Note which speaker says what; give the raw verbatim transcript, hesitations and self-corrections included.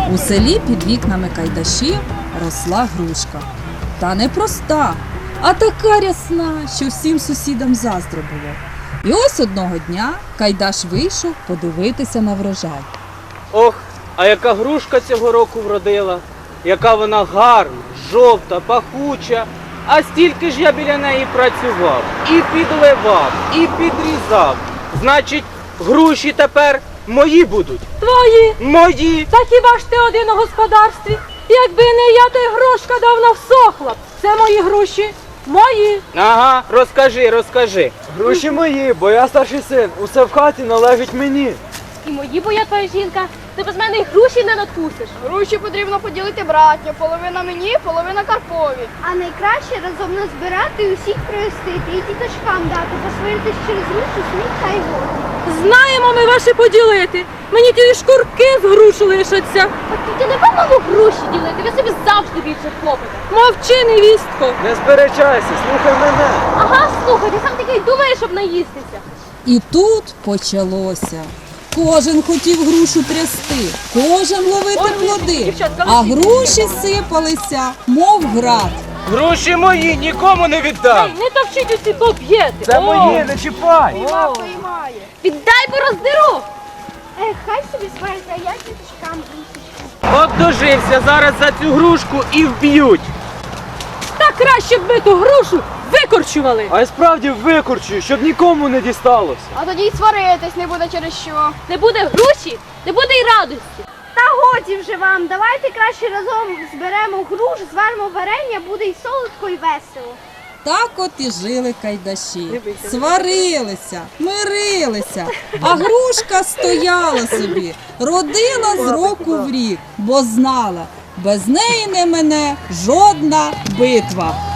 Speaker 1: У селі під вікнами Кайдашів росла грушка. Та не проста, а така рясна, що всім сусідам заздро було. І ось одного дня Кайдаш вийшов подивитися на врожай.
Speaker 2: Ох, а яка грушка цього року вродила, яка вона гарна, жовта, пахуча. А стільки ж я біля неї працював, і підливав, і підрізав. Значить, груші тепер мої будуть.
Speaker 3: Твої!
Speaker 2: Мої!
Speaker 3: Та хіба ж ти один у господарстві? Якби не я, то й грушка давно всохла б. Це мої груші. Мої.
Speaker 2: Ага, розкажи, розкажи.
Speaker 4: Груші мої, бо я старший син, усе в хаті належить мені.
Speaker 3: І мої, бо я твоя жінка. Ти без мене й груші не надкусиш.
Speaker 5: Груші потрібно поділити братньо, половина мені, половина Карпові.
Speaker 6: А найкраще разом назбирати і усіх привезти і діточкам дати, посваритись через грушу, сміх та й воду.
Speaker 3: Знаємо ми ваші поділити. Мені ті шкурки з груш лишаться.
Speaker 5: Так тільки не мало груші ділити, ви собі завжди більше хлопите.
Speaker 3: Мовчи, невістко.
Speaker 4: Не сперечайся, слухай мене.
Speaker 5: Ага, слухай, ти сам такий думаєш, щоб наїстися.
Speaker 1: І тут почалося. Кожен хотів грушу трясти, кожен ловити плоди,
Speaker 3: дівчатка,
Speaker 1: а груші сипалися, мов град.
Speaker 2: Груші мої, нікому не віддам.
Speaker 3: Не товчіть усі, бо б'єте.
Speaker 4: Це мої, не чіпай.
Speaker 5: Іма приймає.
Speaker 3: Віддай, бо роздеру.
Speaker 6: Ех, хай собі свариться, а я діточкам грушечку.
Speaker 2: От дожився, зараз за цю грушку і вб'ють.
Speaker 3: Та краще б ми ту грушу викорчували.
Speaker 4: А я справді викорчую, щоб нікому не дісталося.
Speaker 5: А тоді й сваритись не буде через що.
Speaker 3: Не буде груші, не буде й радості.
Speaker 6: Та годі вже вам, давайте краще разом зберемо груш, зваримо варення, буде й солодко, і весело.
Speaker 1: Так от і жили кайдаші, сварилися, мирилися, а грушка стояла собі, родила з року в рік, бо знала, без неї не мине жодна битва.